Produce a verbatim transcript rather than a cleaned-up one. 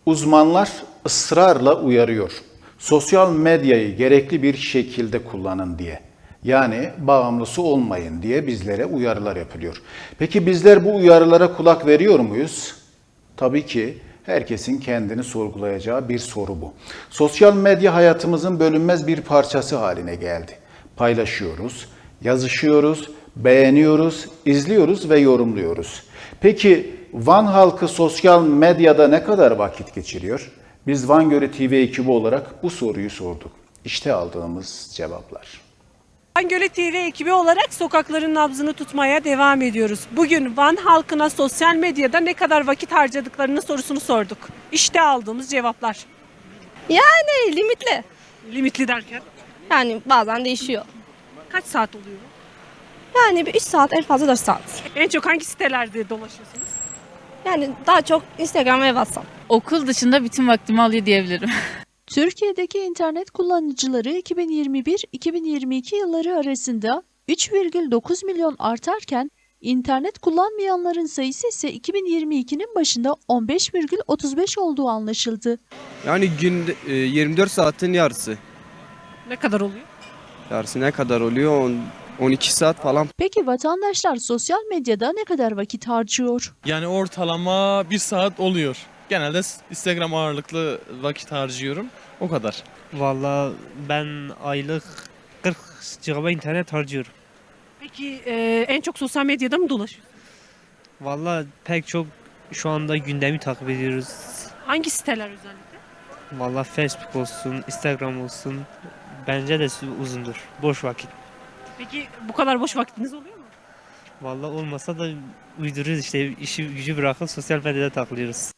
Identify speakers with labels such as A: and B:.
A: Uzmanlar ısrarla uyarıyor. Sosyal medyayı gerekli bir şekilde kullanın diye. Yani bağımlısı olmayın diye bizlere uyarılar yapılıyor. Peki bizler bu uyarılara kulak veriyor muyuz? Tabii ki herkesin kendini sorgulayacağı bir soru bu. Sosyal medya hayatımızın bölünmez bir parçası haline geldi. Paylaşıyoruz, yazışıyoruz, beğeniyoruz, izliyoruz ve yorumluyoruz. Peki Van halkı sosyal medyada ne kadar vakit geçiriyor? Biz Van Gölü T V ekibi olarak bu soruyu sorduk. İşte aldığımız cevaplar.
B: Van Gölü T V ekibi olarak sokakların nabzını tutmaya devam ediyoruz. Bugün Van halkına sosyal medyada ne kadar vakit harcadıklarını sorusunu sorduk. İşte aldığımız cevaplar.
C: Yani limitli.
B: Limitli derken
C: Yani bazen değişiyor.
B: kaç saat oluyor?
C: Yani bir üç saat en fazla dört saat.
B: En çok hangi sitelerde dolaşıyorsunuz?
C: Yani daha çok Instagram ve WhatsApp.
D: Okul dışında bütün vaktimi alıyor diyebilirim.
E: Türkiye'deki internet kullanıcıları iki bin yirmi bir iki bin yirmi iki yılları arasında üç virgül dokuz milyon artarken internet kullanmayanların sayısı ise iki bin yirmi ikinin başında on beş virgül otuz beş olduğu anlaşıldı.
F: Yani günde e, yirmi dört saatin yarısı.
B: Ne kadar oluyor?
F: Yarısı ne kadar oluyor? on, on iki saat falan.
E: Peki vatandaşlar sosyal medyada ne kadar vakit harcıyor?
G: Yani ortalama bir saat oluyor. Genelde Instagram ağırlıklı vakit harcıyorum. O kadar.
H: Valla ben aylık kırk gigabayt internet harcıyorum.
B: Peki e, en çok sosyal medyada mı dolaşıyorsunuz?
H: Valla pek çok şu anda gündemi takip ediyoruz.
B: Hangi siteler özellikle?
H: Valla Facebook olsun, Instagram olsun. Bence de uzundur. Boş vakit.
B: Peki bu kadar boş vaktiniz oluyor mu?
H: Valla olmasa da uyduruyoruz işte işi gücü bırakıp sosyal medyada takılıyoruz.